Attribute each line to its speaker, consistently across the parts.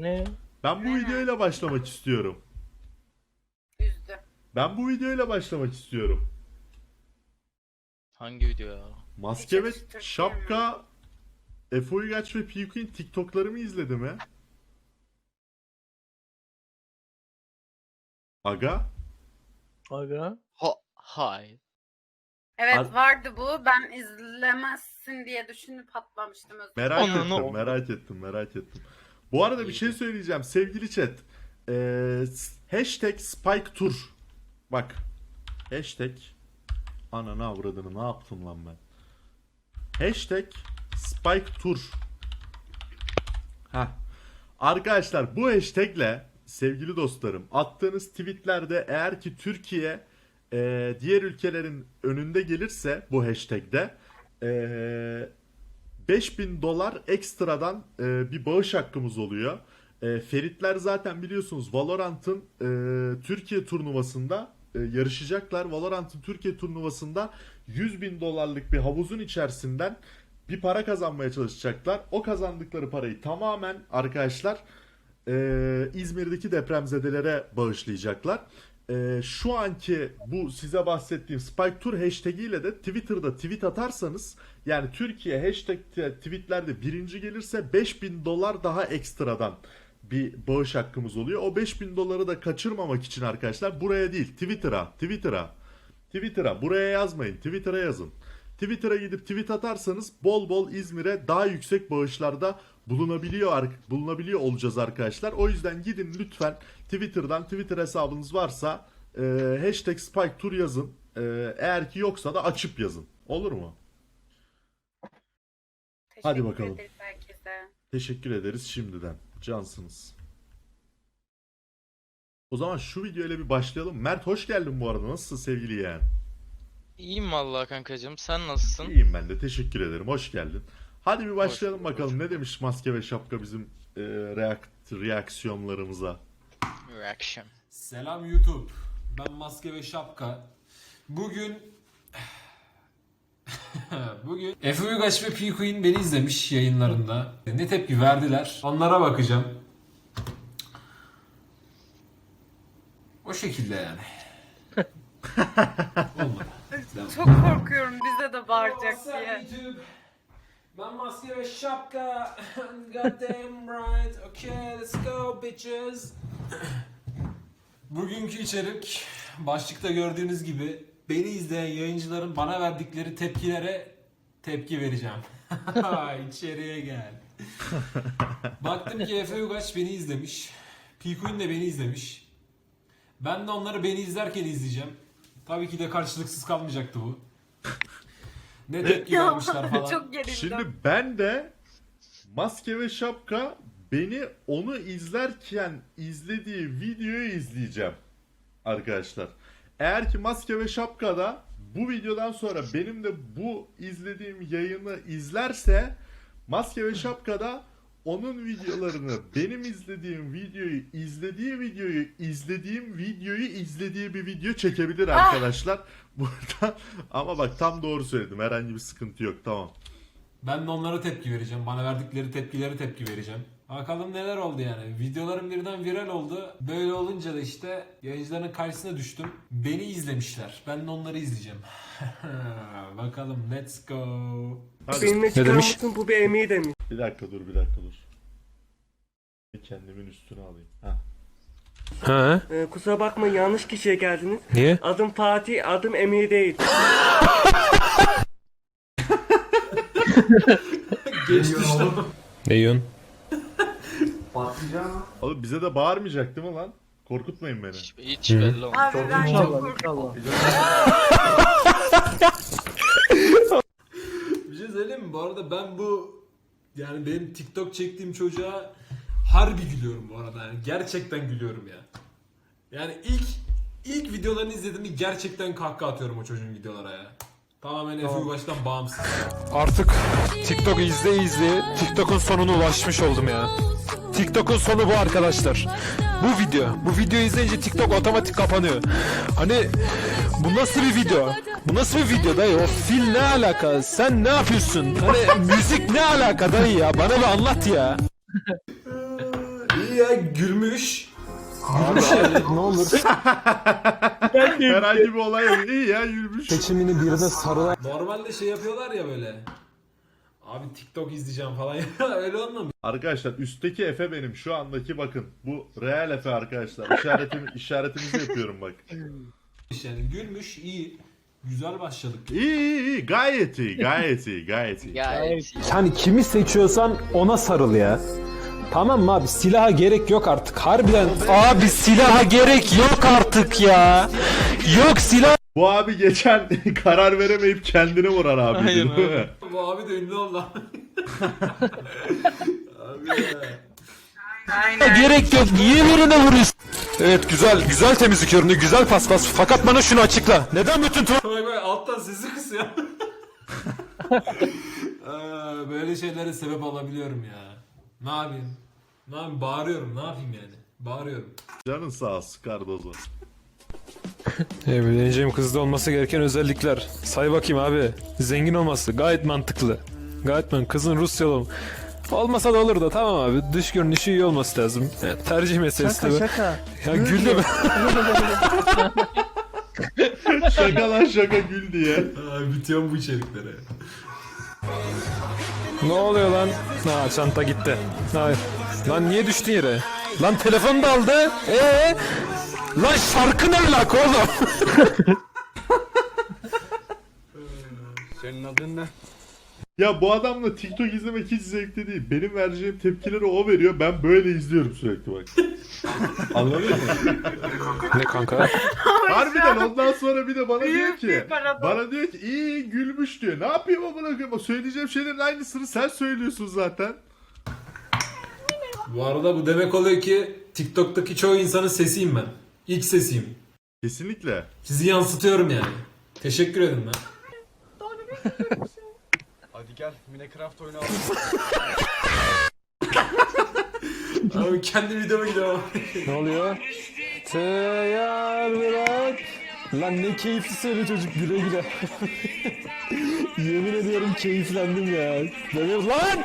Speaker 1: Ne?
Speaker 2: Ben bu videoyla başlamak istiyorum.
Speaker 3: Üzdü.
Speaker 2: Ben bu videoyla başlamak istiyorum.
Speaker 4: Hangi video ya?
Speaker 2: Maske ve
Speaker 3: Hiç Türkiye
Speaker 2: şapka Efe Uygaç ve Piyuk'un TikTok'larımı izledi mi? Aga?
Speaker 1: Aga.
Speaker 4: Hayır.
Speaker 3: Evet vardı bu. Ben izlemezsin diye düşünüp atlamıştım. Özür dilerim.
Speaker 2: Merak
Speaker 4: Onu-
Speaker 2: ettim, merak ettim. Bu arada bir şey söyleyeceğim sevgili chat. Hashtag Spike Tour. Bak. Hashtag ananı avradını ne yaptım lan ben. Hashtag Spike Tour. Heh. Arkadaşlar bu hashtagle sevgili dostlarım attığınız tweetlerde eğer ki Türkiye diğer ülkelerin önünde gelirse bu hashtagde 5000 dolar ekstradan bir bağış hakkımız oluyor. Feritler zaten biliyorsunuz Valorant'ın Türkiye turnuvasında yarışacaklar. Valorant'ın Türkiye turnuvasında 100.000 dolarlık bir havuzun içerisinden bir para kazanmaya çalışacaklar. O kazandıkları parayı tamamen arkadaşlar İzmir'deki depremzedelere bağışlayacaklar. Şu anki bu size bahsettiğim Spike Tour hashtag ile de Twitter'da tweet atarsanız yani Türkiye hashtag tweetlerde birinci gelirse 5000 dolar daha ekstradan bir bağış hakkımız oluyor. O 5000 doları da kaçırmamak için arkadaşlar buraya değil Twitter'a buraya yazmayın, Twitter'a yazın. Twitter'a gidip tweet atarsanız bol bol İzmir'e daha yüksek bağışlarda bulunabiliyor olacağız arkadaşlar. O yüzden gidin lütfen Twitter'dan Twitter hesabınız varsa hashtag Spike Tour yazın. Eğer ki yoksa da açıp yazın. Olur mu? Hadi bakalım.
Speaker 3: Ederiz herkese.
Speaker 2: Teşekkür ederiz şimdiden. Cansınız. O zaman şu videoyla bir başlayalım. Mert hoş geldin bu arada. Nasılsın sevgili yeğen?
Speaker 4: İyiyim vallahi kankacığım. Sen nasılsın?
Speaker 2: İyiyim ben de. Teşekkür ederim. Hoş geldin. Hadi bir başlayalım
Speaker 4: bulduk,
Speaker 2: bakalım.
Speaker 4: hoş
Speaker 2: Ne demiş maske ve şapka bizim reaksiyonlarımıza.
Speaker 4: Reaction.
Speaker 5: Selam YouTube. Ben Maske ve Şapka. Bugün Efe Uygaç ve P-Queen beni izlemiş yayınlarında. Ne tepki verdiler? Onlara bakacağım. O şekilde yani. Olmadı.
Speaker 3: Çok korkuyorum bize de bağıracak diye.
Speaker 5: YouTube. Ben Maske ve Şapka. Goddamn right. Okay, let's go bitches. Bugünkü içerik başlıkta gördüğünüz gibi beni izleyen yayıncıların bana verdikleri tepkilere tepki vereceğim. İçeriye gel. Baktım ki Efe Uygaç beni izlemiş. P-Queen de beni izlemiş. Ben de onları beni izlerken izleyeceğim. Tabii ki de karşılıksız kalmayacaktı bu. Ne tepki vermişler falan.
Speaker 3: Çok gerildim.
Speaker 2: Şimdi ben de maske ve şapka beni onu izlerken izlediği videoyu izleyeceğim arkadaşlar. Eğer ki maske ve şapkada bu videodan sonra benim de bu izlediğim yayını izlerse maske ve şapkada onun videolarını benim izlediğim videoyu izlediği bir video çekebilir arkadaşlar. Burada ama bak tam doğru söyledim. Herhangi bir sıkıntı yok. Tamam.
Speaker 5: Ben de onlara tepki vereceğim. Bana verdikleri tepkilere tepki vereceğim. Bakalım neler oldu yani. Videolarım birden viral oldu. Böyle olunca da işte yayıncıların karşısına düştüm. Beni izlemişler. Ben de onları izleyeceğim. Bakalım let's go.
Speaker 2: Hadi.
Speaker 6: Benimle çıkar mısın? Bu bir emeği demiş.
Speaker 2: Bir dakika dur. Kendimin üstüne alayım. Heh.
Speaker 6: Ha? Kusura bakma yanlış kişiye geldiniz.
Speaker 1: Niye?
Speaker 6: Adım Fatih, adım Emir değil.
Speaker 5: Geçti işte.
Speaker 1: Ne yiyorsun?
Speaker 2: Oğlum bize de bağırmayacak değil mi lan? Korkutmayın beni.
Speaker 4: Hiç belli olmaz.
Speaker 3: Abi ben çok korkuyorum.
Speaker 5: Bir şey söyleyeyim mi? Bu arada ben yani benim TikTok çektiğim çocuğa harbi gülüyorum bu arada. Yani gerçekten gülüyorum ya. Yani ilk videolarını izlediğimde gerçekten kahkaha atıyorum o çocuğun videolara ya. Tamamen Efe Uygaç'tan bağımsız.
Speaker 7: Artık TikTok izle TikTok'un sonuna ulaşmış oldum ya. TikTok'un sonu bu arkadaşlar. Bu videoyu izleyince TikTok otomatik kapanıyor. Hani bu nasıl bir video? Bu nasıl bir video dayı? O fil ne alaka? Sen ne yapıyorsun? Hani müzik ne alaka dayı ya? Bana bir anlat ya.
Speaker 5: belli ya gülmüş.
Speaker 7: Ne olur
Speaker 2: Herhangi bir olay yok. İyi ya yürümüş.
Speaker 7: seçimini birine sarılan
Speaker 5: Normalde şey yapıyorlar ya böyle. Abi TikTok izleyeceğim falan öyle olmamış.
Speaker 2: Arkadaşlar üstteki Efe benim. Şu andaki bakın. Bu real Efe arkadaşlar. İşaretimizi yapıyorum bak.
Speaker 5: Yani gülmüş iyi. Güzel başladık.
Speaker 2: İyi. Gayet iyi. Gayet iyi. Gayet iyi.
Speaker 4: Gayet iyi.
Speaker 7: hani kimi seçiyorsan ona sarıl ya. Tamam mı abi? Silaha gerek yok artık. Harbiden abi silaha gerek yok artık ya. Yok silah.
Speaker 2: Bu abi geçen karar veremeyip kendini vuran abi.
Speaker 4: Aynen
Speaker 2: değil mi?
Speaker 5: Bu abi de ünlü oldu. Abi ya.
Speaker 7: Gerek yok. Niye birine vuruyorsun? Evet güzel temizlik ürünü, güzel paspas. Fakat bana şunu açıkla. Neden bütün
Speaker 5: Bak alttan sesi kısıyor. Böyle şeylere sebep olabiliyorum ya. Ne yapayım? Ne yapayım? Bağırıyorum. Ne yapayım yani? Bağırıyorum.
Speaker 2: Canın sağ olsun Cardozo.
Speaker 7: Evleneceğim kızda olması gereken özellikler. Say bakayım abi. Zengin olması gayet mantıklı. Kızın Rusyalı olmasa da olur da tamam abi. Dış görünüşü iyi olması lazım. Yani tercih meselesi tabii.
Speaker 1: Şaka.
Speaker 7: Ya güldüm.
Speaker 2: Şaka lan şaka gül diye.
Speaker 5: Bitiyor bu içeriklere.
Speaker 7: Ne oluyor lan? Ha çanta gitti. Hayır. Lan niye düştün yere? Lan telefonu da aldı. Lan şarkı ne alaka oğlum?
Speaker 1: Senin adın ne?
Speaker 2: Ya bu adamla TikTok izlemek hiç zevkli değil. Benim vereceğim tepkileri o veriyor. Ben böyle izliyorum sürekli bak. Anladın mı?
Speaker 7: Ne kanka?
Speaker 2: Harbiden ondan sonra bir de bana diyor
Speaker 3: Büyük
Speaker 2: ki
Speaker 3: bir paradoks.
Speaker 2: iyi gülmüş diyor. Ne yapayım amına koyayım? Söyleyeceğim şeylerin aynısını sen söylüyorsun zaten.
Speaker 5: Bu arada bu demek oluyor ki TikTok'taki çoğu insanın sesiyim ben. İlk sesiyim.
Speaker 2: Kesinlikle.
Speaker 5: Sizi yansıtıyorum yani. Teşekkür ederim ben.
Speaker 1: Hadi gel Minecraft oyunu
Speaker 5: Abi kendi videoma gidiyorum.
Speaker 7: Ne oluyor? Teyar bırak. Lan ne keyifli söyle çocuk güle güle. Yemin ediyorum keyiflendim ya. Böyle lan!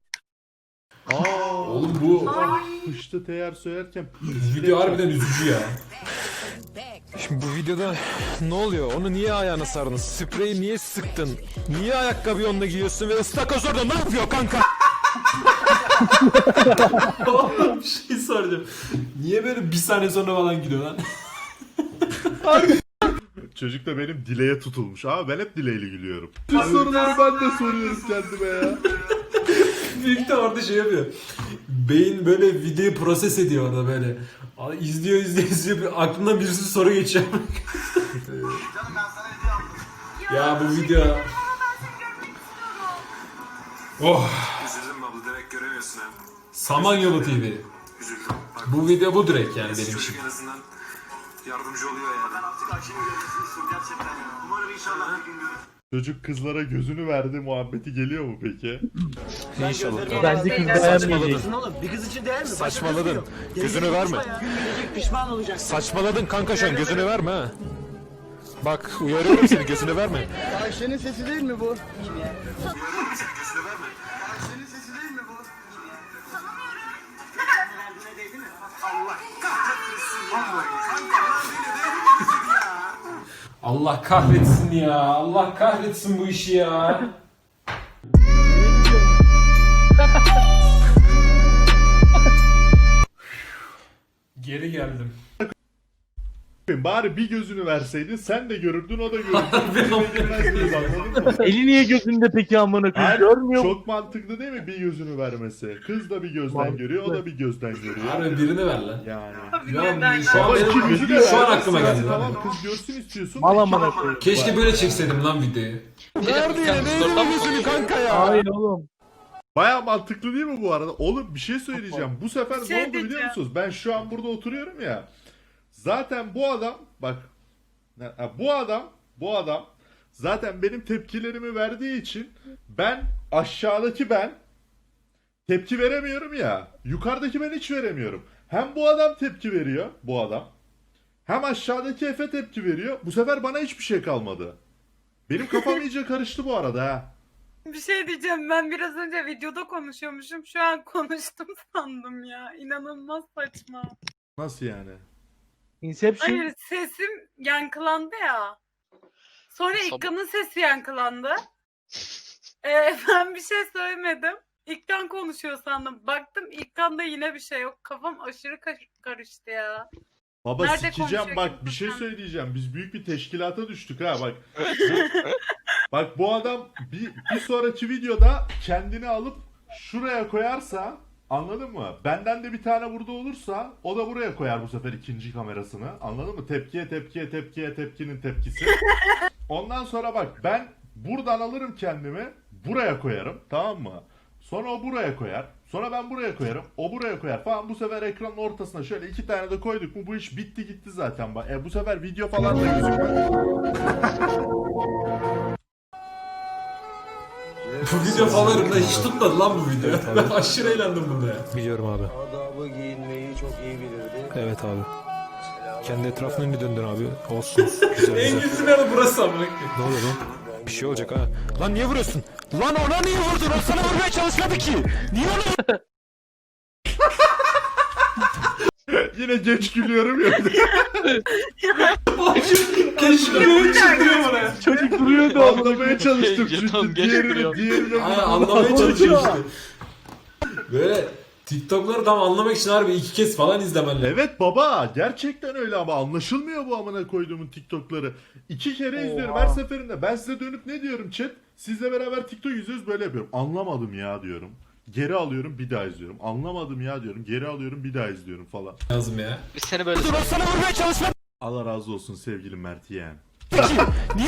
Speaker 5: Oğlum bu
Speaker 2: Kışta teyar söylerken
Speaker 5: video harbiden üzücü ya.
Speaker 7: Şimdi bu videoda ne oluyor? Onu niye ayağına sardın? Spreyi niye sıktın? Niye ayakkabıyı onunla giyiyorsun ve ıstakoz orada ne yapıyor kanka?
Speaker 5: Oğlum bir şey soracağım. Niye böyle bir saniye sonra falan gidiyor lan?
Speaker 2: çocuk da benim dileğe tutulmuş. Ama ben hep dileğiyle gülüyorum. Bu soruları ben de soruyorum kendime ya.
Speaker 5: Büyük de orada şey yapıyor. Beyin böyle videoyu proses ediyor orada böyle. İzliyor. Aklından bir sürü soru geçiyor. Ya bu video... Oh!
Speaker 8: Üzüldüm abla demek göremiyorsun ha.
Speaker 5: Samanyolu TV.
Speaker 8: Üzüldüm. Bak,
Speaker 5: Bu video bu direkt yani benim
Speaker 8: çocuk
Speaker 5: için.
Speaker 8: en azından yardımcı oluyor yani. Gerçekten. Umarım inşallah bir gün görürüz.
Speaker 2: Çocuk kızlara gözünü verdi muhabbeti geliyor mu peki?
Speaker 7: İnşallah.
Speaker 1: Bence kız beğenmeyecek.
Speaker 6: Oğlum bir kız için değer mi?
Speaker 7: Saçmaladın. Gözünü verme.
Speaker 6: Pişman olacaksın.
Speaker 7: Saçmaladın kanka şu an gözünü verme ha. Bak uyarıyorum seni gözünü verme.
Speaker 1: Ayşe'nin sesi değil mi bu?
Speaker 5: Allah kahretsin ya. Allah kahretsin bu işi ya. Geri geldim.
Speaker 2: Bari bir gözünü verseydin sen de görürdün o da görürdü. Bilmezdiniz, anladın mı?
Speaker 1: Eli niye gözünde peki amına koyayım?
Speaker 2: Hayır,
Speaker 1: Görmüyor mu?
Speaker 2: çok mantıklı değil mi bir gözünü vermesi? Kız da bir gözden görüyor, o da bir gözden görüyor.
Speaker 5: Harbi birini ver lan.
Speaker 2: Yani.
Speaker 5: Ya şu an
Speaker 2: Ama ikimizi de
Speaker 5: şu an
Speaker 2: vermezsin
Speaker 5: aklıma
Speaker 2: yani.
Speaker 5: geldi lan.
Speaker 2: Tamam kız görsün istiyorsun.
Speaker 1: Mal amına koyayım.
Speaker 5: Keşke böyle çekseydim lan videoyu.
Speaker 7: Nerede ya? Neydi gözünü kanka ya?
Speaker 1: Hayır oğlum.
Speaker 2: Baya mantıklı değil mi bu arada? Oğlum bir şey söyleyeceğim. Bu sefer
Speaker 3: Bir şey
Speaker 2: ne oldu biliyor
Speaker 3: diyeceğim.
Speaker 2: musunuz? Ben şu an burada oturuyorum ya. Zaten bu adam bak bu adam zaten benim tepkilerimi verdiği için ben aşağıdaki ben tepki veremiyorum ya. Yukarıdaki ben hiç veremiyorum. Hem bu adam tepki veriyor bu adam. Hem aşağıdaki Efe tepki veriyor. Bu sefer bana hiçbir şey kalmadı. Benim kafam iyice karıştı bu arada ha.
Speaker 3: Bir şey diyeceğim, ben biraz önce videoda konuşuyormuşum. Şu an konuştum sandım ya. İnanılmaz saçma.
Speaker 2: Nasıl yani?
Speaker 1: Inception.
Speaker 3: Hayır, sesim yankılandı ya. Sonra
Speaker 4: Sabah-
Speaker 3: İlkan'ın sesi yankılandı. Ben bir şey söylemedim. İlkan konuşuyor sandım. Baktım İlkan'da yine bir şey yok. Kafam aşırı karıştı ya.
Speaker 2: Baba
Speaker 3: Nerede
Speaker 2: sikeceğim
Speaker 3: konuşuyor
Speaker 2: bak
Speaker 3: kimse
Speaker 2: bir şey
Speaker 3: sen?
Speaker 2: söyleyeceğim. Biz büyük bir teşkilata düştük ha bak. Bak bu adam bir sonraki videoda kendini alıp şuraya koyarsa, anladın mı? Benden de bir tane burada olursa o da buraya koyar bu sefer ikinci kamerasını. Anladın mı? Tepkiye tepkinin tepkisi. Ondan sonra bak ben buradan alırım kendimi buraya koyarım, tamam mı? Sonra o buraya koyar. Sonra ben buraya koyarım. O buraya koyar falan. Bu sefer ekranın ortasına şöyle 2 tane de koyduk mu bu iş bitti gitti zaten. Bu sefer video falan da gözükmez.
Speaker 5: Bu video favorimde hiç tutmadı lan bu video. Ben aşırı eğlendim bunda ya.
Speaker 7: Biliyorum abi.
Speaker 6: Adabı giyinmeyi çok iyi bilirdi.
Speaker 7: Evet abi. Kendi etrafını önünü döndür abi. Olsun. Güzel
Speaker 5: En
Speaker 7: güzel.
Speaker 5: güzel yanı burası amına koyayım.
Speaker 7: Ne oluyor lan? Bir şey olacak ha. Lan niye vuruyorsun? Lan ona niye vurdun? O sana vurmaya çalışmadı ki. Niye onu
Speaker 2: Yine geç gülüyorum ya.
Speaker 5: Keşke böyle çıldırıyor oraya.
Speaker 1: Çocuk duruyordu.
Speaker 2: Anlamaya çalıştım
Speaker 4: Jeton
Speaker 2: çünkü
Speaker 4: geç
Speaker 2: diğerini
Speaker 4: gülüyor.
Speaker 5: Aynen anlamaya çalışıyor işte. Böyle TikTok'ları tam anlamak için harbi 2 kez falan izlemen lazım.
Speaker 2: Evet baba gerçekten öyle ama anlaşılmıyor bu amına koyduğumun TikTok'ları. 2 kere izliyorum her seferinde. Ben size dönüp ne diyorum chat? Sizle beraber TikTok izliyoruz böyle yapıyorum. Anlamadım ya diyorum. Geri alıyorum bir daha izliyorum. Anlamadım ya diyorum. Geri alıyorum bir daha izliyorum falan.
Speaker 5: Lazım ya.
Speaker 4: Biz seni böyle
Speaker 7: vurdun? O sana vurmaya çalışmadı
Speaker 2: Allah razı olsun sevgili Mert yeğen.
Speaker 7: ki. Niye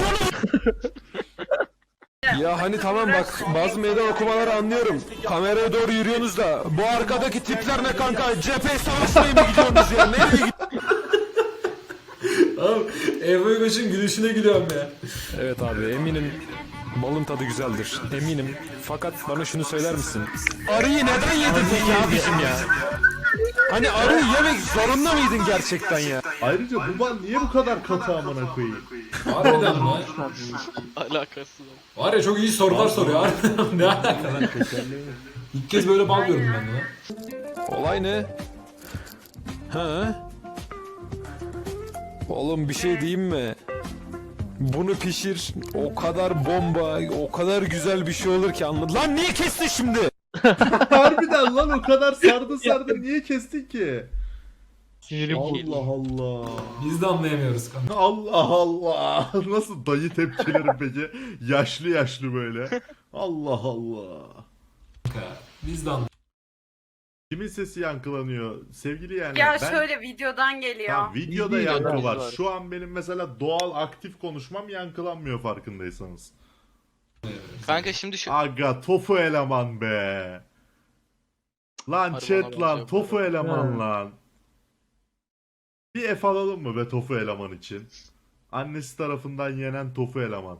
Speaker 7: onu... Ya hani tamam bak bazı meydan okumaları anlıyorum. Kameraya doğru yürüyorsunuz da bu arkadaki tipler ne kanka? Cephe savaşmaya mı gidiyorsunuz ya? Nereye gidiyorsunuz?
Speaker 5: Abi Ebru Yuş'un gülüşüne gülüyorum ya.
Speaker 7: Evet abi eminim malın tadı güzeldir. Eminim. Fakat bana şunu söyler misin? Arıyı neden yedin peki abicim ya? Hani arıyı yemek zorunda mıydın gerçekten ya?
Speaker 2: Ayrıca bu ban niye bu kadar katı amına koyayım?
Speaker 5: Harbiden lan.
Speaker 4: alakası yok.
Speaker 5: Var ya çok iyi sorular soruyor. Harbiden ne alaka lan? İlk kez böyle bal gördüm ben de lan.
Speaker 7: Olay ne? Ha? Oğlum bir şey diyeyim mi? Bunu pişir, o kadar bomba, o kadar güzel bir şey olur ki anladın. Lan niye kestin şimdi?
Speaker 2: Harbiden lan o kadar sardı niye kestin ki?
Speaker 1: Sinirim bozuldu.
Speaker 2: Allah Allah.
Speaker 5: Biz de anlayamıyoruz kanka.
Speaker 2: Allah Allah. Nasıl dayı tepkileri peki? Yaşlı böyle. Allah Allah.
Speaker 5: Biz de anlayamıyoruz.
Speaker 2: Kimin sesi yankılanıyor? Sevgili yani
Speaker 3: Ya
Speaker 2: ben...
Speaker 3: şöyle videodan geliyor.
Speaker 2: Tamam, videoda
Speaker 1: Videoda
Speaker 2: yankı var.
Speaker 4: var.
Speaker 2: Şu an benim mesela doğal aktif konuşmam yankılanmıyor farkındaysanız.
Speaker 4: Kanka şimdi şu
Speaker 2: Aga tofu eleman be. Lan
Speaker 4: Harbi
Speaker 2: chat
Speaker 4: ona
Speaker 2: lan
Speaker 4: benziyor
Speaker 2: tofu
Speaker 4: bu
Speaker 2: eleman
Speaker 1: Ha.
Speaker 2: lan. Bir F alalım mı be tofu eleman için? Annesi tarafından yenen tofu eleman.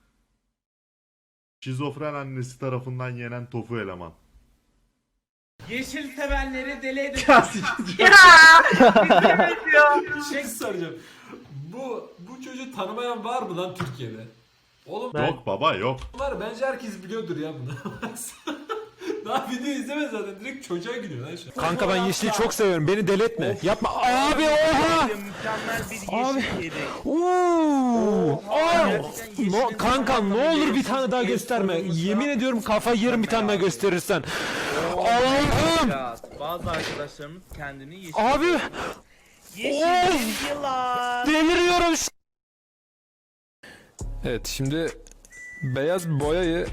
Speaker 2: Şizofren annesi tarafından yenen tofu eleman.
Speaker 9: Yeşil sevenleri deli edin.
Speaker 5: Bir şey soracağım. Bu çocuğu tanımayan var mı lan Türkiye'de? Oğlum
Speaker 2: Yok baba yok.
Speaker 5: var bence herkes biliyordur ya bunu. Daha video izlemez zaten direkt çocuğa gidiyor lan şu an.
Speaker 7: Kanka ben yeşili çok seviyorum. Beni deli etme. Yapma. Abi oha!
Speaker 9: Mükemmel bir
Speaker 7: Abi.
Speaker 9: yeşil yedi.
Speaker 7: Oo! Kanka ne olur bir tane daha gösterme. Yemin ediyorum kafa yerim bir tane daha gösterirsen. Allah'ım!
Speaker 9: Ya, bazı arkadaşlarımız kendini yeşil.
Speaker 7: Abi
Speaker 9: Yeşil yılan.
Speaker 7: deliriyorum. Evet şimdi beyaz boyayı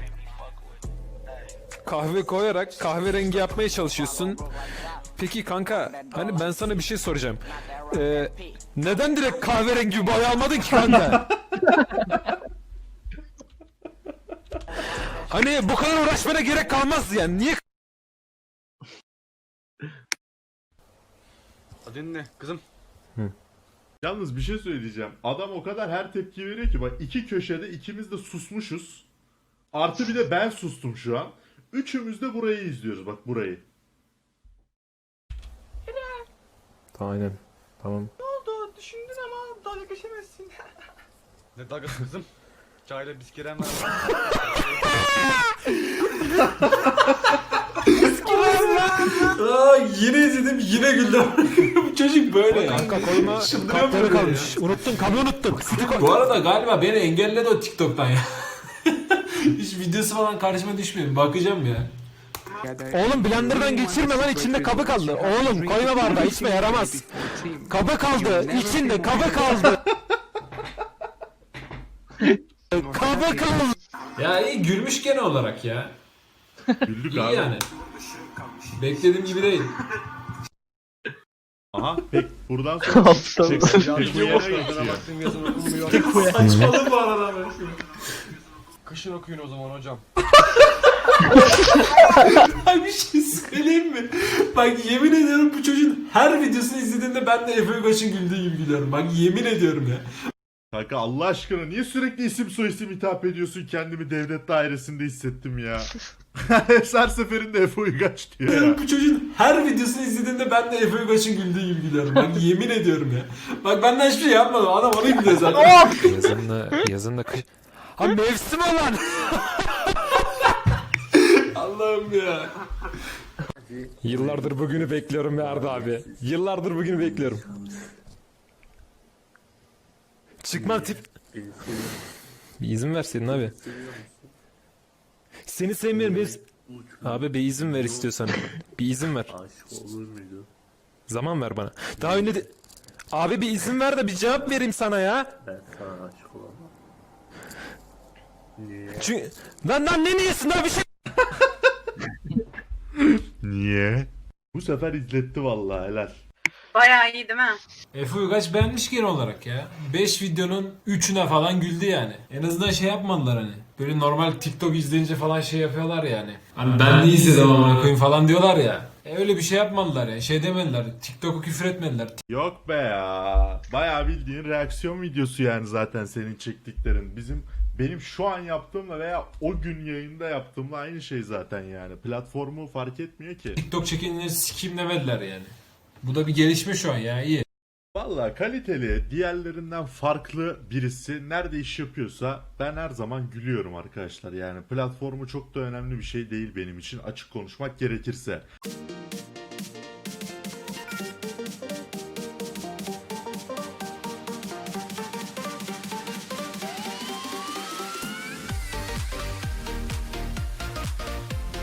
Speaker 7: kahve koyarak kahverengi yapmaya çalışıyorsun. Peki kanka hani ben sana bir şey soracağım. Neden direkt kahverengi bir boya almadın ki kanka? Hani bu kadar uğraşmana gerek kalmaz yani. Niye?
Speaker 8: Dinle kızım.
Speaker 2: Yalnız bir şey söyleyeceğim. Adam o kadar her tepki veriyor ki bak iki köşede ikimiz de susmuşuz. Artı bir de ben sustum şu an. Üçümüz de burayı izliyoruz bak burayı.
Speaker 7: Aynen. Tamam.
Speaker 9: Düşündün ama dalga geçemezsin.
Speaker 8: Ne dalgası kızım? Çayla bisküren
Speaker 5: Aa, yine izledim yine güldüm. Bu çocuk böyle ya.
Speaker 7: Kanka koyma
Speaker 5: Çıldırıyor
Speaker 7: kapları
Speaker 5: böyle
Speaker 7: kalmış. Unuttun kabı unuttun. Sütü koy.
Speaker 5: Bu arada galiba beni engelledi o TikTok'tan ya. Hiç videosu falan karşıma düşmüyor. Bakacağım ya.
Speaker 7: Oğlum blenderdan geçirme lan, içinde kabı kaldı. Oğlum koyma bardağı, içme, yaramaz. Kabı kaldı içinde, kabı kaldı. Kabı kaldı.
Speaker 5: Ya iyi gülmüş gene olarak ya.
Speaker 2: Güldük
Speaker 5: İyi
Speaker 2: abi.
Speaker 5: yani. Beklediğim gibi değil.
Speaker 2: Aha pek buradan sonra Tekuya'ya geçiyor.
Speaker 5: Saçmalık bu arada.
Speaker 8: Kışın okuyun o zaman hocam.
Speaker 5: Ay bir şey söyleyeyim mi? Bak yemin ediyorum bu çocuğun her videosunu izlediğimde ben de Efe Uygaç'ın güldüğü gibi gülüyorum. Bak yemin ediyorum ya.
Speaker 2: Kanka Allah aşkına niye sürekli isim soyisim hitap ediyorsun, kendimi devlet dairesinde hissettim ya. Her seferinde Efe Uygaç diyor ya.
Speaker 5: Bu çocuğun her videosunu izlediğimde ben de Efe Uygaç'ın güldüğü gibi gülüyorum. Bak yemin ediyorum ya. Bak benden hiçbir şey yapmadım. Adam onu gülüyor zaten.
Speaker 7: Yazın da kış. Ha mevsim olan.
Speaker 5: Allah'ım ya.
Speaker 7: Yıllardır bugünü bekliyorum ya Arda abi. Yıllardır bugünü bekliyorum. Çıkmam tip. Bir izin verseydin abi. Seni sevmiyorum. Abi bir izin ver istiyorsan. Bir izin ver. Zaman ver bana. Daha önce de... Abi bir izin ver de bir cevap vereyim sana ya. Ben sana aşık olamam. Niye? Çünkü... Lan ne niyesin daha bir şey...
Speaker 2: Niye? Bu sefer izletti vallahi, helal.
Speaker 3: Bayağı iyi değil mi?
Speaker 5: Efe Uygaç beğenmiş genel olarak ya. 5 videonun 3'üne falan güldü yani. En azından şey yapmadılar hani. Böyle normal TikTok izleyince falan şey yapıyorlar yani. Hani ben ne izledim amına koyayım falan diyorlar ya. Öyle bir şey yapmadılar ya. Şey demediler. TikTok'u küfür etmediler.
Speaker 2: Yok be ya. Bayağı bildiğin reaksiyon videosu yani zaten senin çektiklerin. Benim şu an yaptığımla veya o gün yayında yaptığımla aynı şey zaten yani. Platformu fark etmiyor ki.
Speaker 5: TikTok çekenleri sikeyim demediler yani. Bu da bir gelişme şu an ya, iyi.
Speaker 2: Valla kaliteli, diğerlerinden farklı birisi nerede iş yapıyorsa ben her zaman gülüyorum arkadaşlar. Yani platformu çok da önemli bir şey değil benim için, açık konuşmak gerekirse.